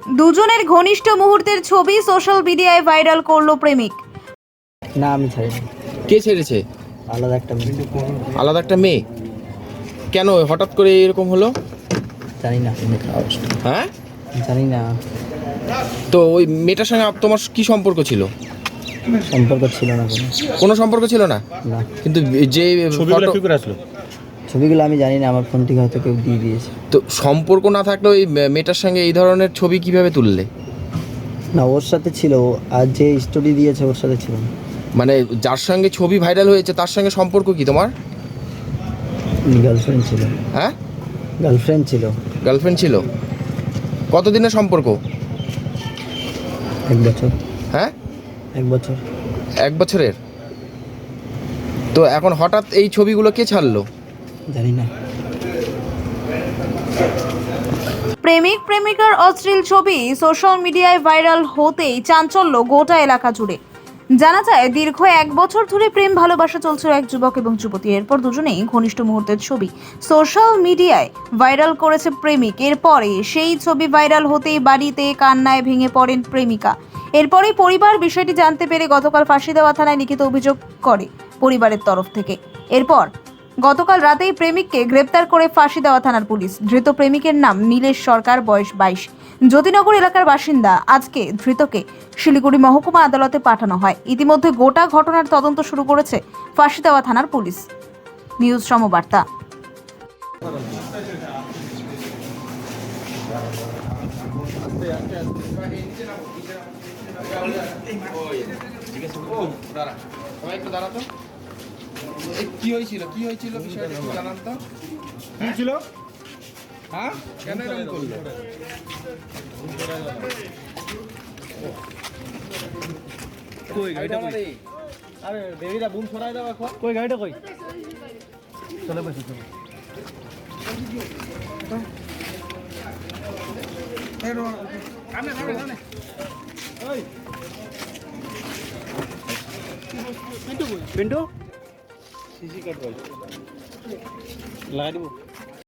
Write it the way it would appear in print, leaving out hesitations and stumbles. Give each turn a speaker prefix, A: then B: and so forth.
A: দুজনের ঘনিষ্ঠ মুহূর্তের ছবি সোশ্যাল মিডিয়ায় ভাইরাল করলো প্রেমিক।
B: না আমি ছাড়িনি।
C: কে ছেড়েছে?
B: আলাদা একটা মেয়ে।
C: আলাদা একটা মেয়ে? কেন হঠাৎ করে এরকম হলো?
B: জানি না।
C: হ্যাঁ,
B: জানি না,
C: তো ওই মেয়েটার সঙ্গে তোমার কি সম্পর্ক ছিল?
B: সম্পর্ক ছিল না কোনো।
C: কোনো সম্পর্ক ছিল না?
B: না।
C: কিন্তু যে
D: ছবিগুলো কি করে আসলো?
B: ছবিগুলো আমি জানি না, আমার ফোন থেকে হয়তো কেউ দিয়ে দিয়েছে।
C: তো সম্পর্ক না থাকলে ওই মেয়েটার সঙ্গে এই ধরনের ছবি কিভাবে তুললে?
B: না, ওর সাথে ছিল, আর যে স্টোরি দিয়েছে ওর সাথে ছিল না।
C: মানে যার সঙ্গে ছবি ভাইরাল হয়েছে তার সঙ্গে সম্পর্ক কি তোমার?
B: গার্লফ্রেন্ড ছিল।
C: হ্যাঁ,
B: গার্লফ্রেন্ড ছিল।
C: গার্লফ্রেন্ড ছিল। কতদিনের সম্পর্ক?
B: 1 বছর।
C: হ্যাঁ,
B: 1 বছর।
C: 1 বছরের। তো এখন হঠাৎ এই ছবিগুলো কে ছাড়লো?
B: জানি না।
A: প্রেমিক প্রেমিকার অশ্লীল ছবি সোশ্যাল মিডিয়ায় ভাইরাল হতেই চাঞ্চল্য গোটা এলাকা জুড়ে। জানা যায় দীর্ঘ 1 বছর ধরে প্রেম ভালোবাসা চলছিল এক যুবক এবং যুবতী। এরপর দুজনেই ঘনিষ্ঠ মুহূর্তের ছবি সোশ্যাল মিডিয়ায় ভাইরাল করেছে প্রেমিক। এরপরে সেই ছবি ভাইরাল হতেই বাড়িতে কান্নায় ভেঙে পড়েন প্রেমিকা। এরপরেই পরিবার বিষয়টি জানতে পেরে গতকাল ফাঁসিদেওয়া থানায় লিখিত অভিযোগ করে পরিবারের তরফ থেকে। এরপর গতকাল রাতেই প্রেমিককে গ্রেপ্তার করে ফাঁসিদেওয়া থানার পুলিশ। ধৃত প্রেমিকের নাম নীলেশ সরকার, বয়স 22, জ্যোতিনগর এলাকার বাসিন্দা। আজকে ধৃতকে শিলিগুড়ি মহকুমা আদালতে পাঠানো হয়। ইতিমধ্যে গোটা ঘটনার তদন্ত শুরু করেছে ফাঁসিদেওয়া থানার পুলিশ। নিউজ সমবার্তা।
C: কি হয়েছিল বিষয়টা একটু জানান তো।
D: কি ছিল?
C: হ্যাঁ, কেন এরকম করলো?
D: কই গাড়িটা কই? আরে দেবীরা বুম ছড়াই দাও এখন। কই গাড়িটা কই? চলে বসে চলো। ওই পিন্টু সিসি কাট কই লাগাই দিব।